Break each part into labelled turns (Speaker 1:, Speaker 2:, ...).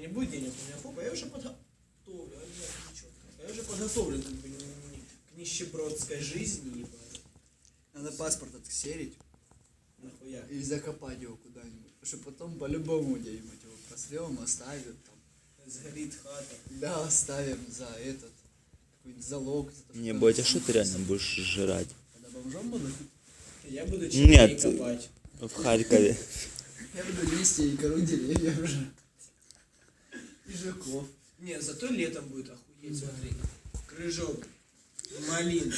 Speaker 1: не будет денег, у меня попа, я уже подготовлен, я уже подготовлен как бы, к нищебродской жизни, ебать.
Speaker 2: Надо паспорт отсерить
Speaker 1: Нахуя?
Speaker 2: и закопать его куда-нибудь. Потому что потом по-любому где-нибудь его просрем, оставим там.
Speaker 1: Сгорит хата.
Speaker 2: Да, оставим за этот какой-нибудь залог. За то, что
Speaker 3: Не,
Speaker 2: там
Speaker 3: Бодя, что ты реально будешь жрать?
Speaker 2: Когда бомжом буду,
Speaker 1: Я буду червей
Speaker 3: Нет.
Speaker 1: копать.
Speaker 3: В Харькове.
Speaker 2: я буду листья и кору деревьев жрать. И жуков.
Speaker 1: Не, зато летом будет охуеть, смотри. Крыжок, малин,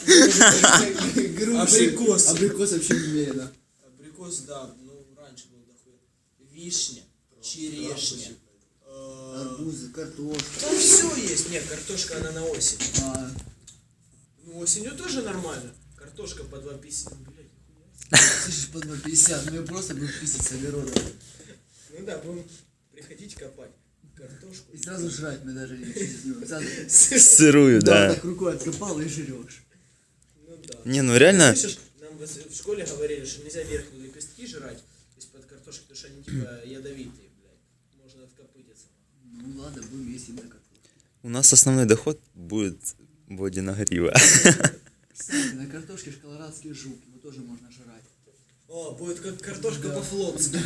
Speaker 2: Груши.
Speaker 1: абрикос.
Speaker 2: Абрикос вообще немерено.
Speaker 1: Абрикос, да, ну раньше был дохуя. Вишня, черешня.
Speaker 2: Арбузы, картошка.
Speaker 1: Там все есть. Нет, картошка она на осень.
Speaker 2: А,
Speaker 1: Ну осенью тоже нормально. Картошка по 2,50. Ну, блядь,
Speaker 2: слышишь, по 2,50, мы просто будем писать с огорода.
Speaker 1: ну да, будем приходить копать картошку.
Speaker 2: И сразу жрать мы даже не чувствуем. Сразу
Speaker 3: Сырую, да.
Speaker 2: так рукой откопал и жрешь.
Speaker 1: Ну да.
Speaker 3: Не, ну реально,
Speaker 1: Слышишь, нам в школе говорили, что нельзя верхние лепестки жрать из-под картошки, потому что они типа ядовитые, блядь. Можно откопытиться.
Speaker 2: Ну ладно, будем есть на картошку.
Speaker 3: у нас основной доход будет Бодина грива.
Speaker 2: Кстати, на картошке ж колорадский жук, его тоже можно жрать.
Speaker 1: О, будет как картошка
Speaker 2: Да.
Speaker 1: по-флотски.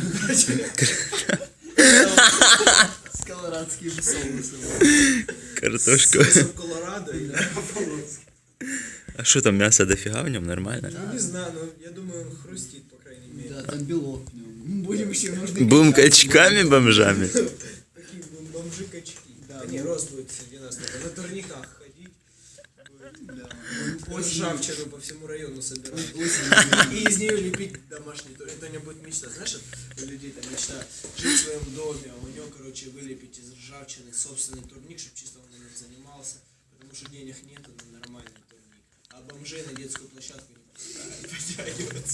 Speaker 2: С колорадским соусом.
Speaker 3: Картошка.
Speaker 1: Соусом Колорадо и по-флотски.
Speaker 3: А что там, мясо дофига в нем? Нормально?
Speaker 1: Ну не знаю, но я думаю, он хрустит, по крайней мере.
Speaker 2: Да, там белок в нем. Будем еще нужны.
Speaker 3: Будем качками бомжами.
Speaker 1: Такие бомжи-качки. Да, не, рост будет среди нас. На турниках ходить. Ржавчину по всему району собирать. И из нее лепить домашний турник. Это у него будет мечта. Знаешь, у людей там мечта жить в своем доме, а у него, короче, вылепить из ржавчины собственный турник, чтобы чисто он им занимался. Потому что денег нету на нормальный турник. А бомжей на детскую площадку не пускают, потягиваться.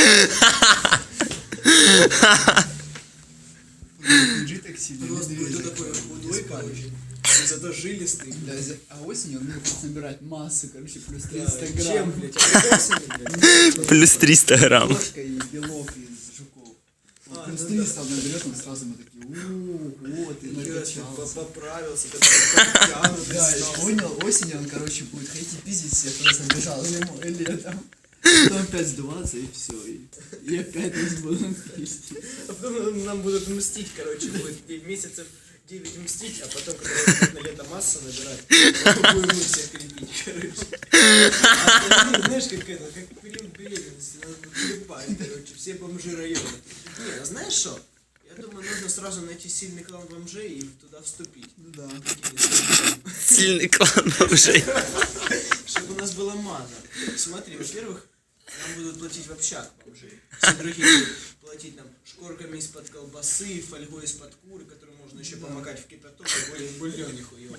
Speaker 2: Жить так сильно.
Speaker 1: Рост
Speaker 2: медведь
Speaker 1: будет такой худой, короче. И зато жилистый.
Speaker 2: Да, а осенью он будет собирать массу, короче, плюс
Speaker 1: Да,
Speaker 2: 300
Speaker 1: чем,
Speaker 2: грамм.
Speaker 1: блядь, абрикосами, блядь?
Speaker 3: Плюс 300 грамм.
Speaker 2: Картошка и белок из жуков. Вот
Speaker 1: А,
Speaker 2: плюс
Speaker 1: ну
Speaker 2: 300 он наберет, он сразу мы такие, вот, и
Speaker 1: Интересно,
Speaker 2: накачался.
Speaker 1: поправился, такой подтянутый
Speaker 2: Да, и
Speaker 1: стал.
Speaker 2: понял, осенью он, короче, будет ходить и пиздить всех, кто набежал зимой и летом. Потом опять сдуваться и все, и опять нас будут пиздить.
Speaker 1: А потом нам будут мстить, короче, будет месяцев 9 мстить, а потом, когда на лето масса набирать, будем мы всех крепить, короче. А, знаешь, как это, как период беременности, нас будут клепать, короче, все бомжи района. Не, а знаешь что? Я думаю, нужно сразу найти сильный клан бомжей и туда вступить.
Speaker 2: Ну да.
Speaker 3: Сильный клан бомжей.
Speaker 1: Чтобы у нас была мана. Смотри, во-первых, нам будут платить в общак бомжи. Все другие будут платить нам шкорками из-под колбасы, фольгой из-под куры, которую можно еще помакать в кипяток, и более бульон нихуёвый.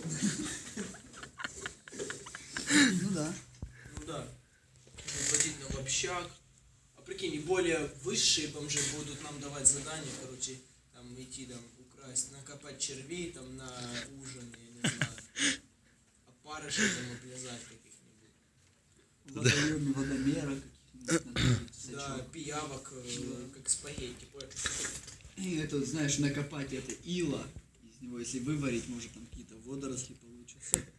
Speaker 2: Ну да.
Speaker 1: Ну да. Будут платить нам в общак. А прикинь, и более высшие бомжи будут нам давать задания, короче, там идти там украсть, накопать червей там на ужин, я не знаю. Опарышей там оплязать каких-нибудь.
Speaker 2: Водоеме, водомера каких-нибудь. надо
Speaker 1: Да,
Speaker 2: сачок.
Speaker 1: пиявок, как спагетти.
Speaker 2: И это, знаешь, накопать это ила из него, если выварить, может там какие-то водоросли получатся.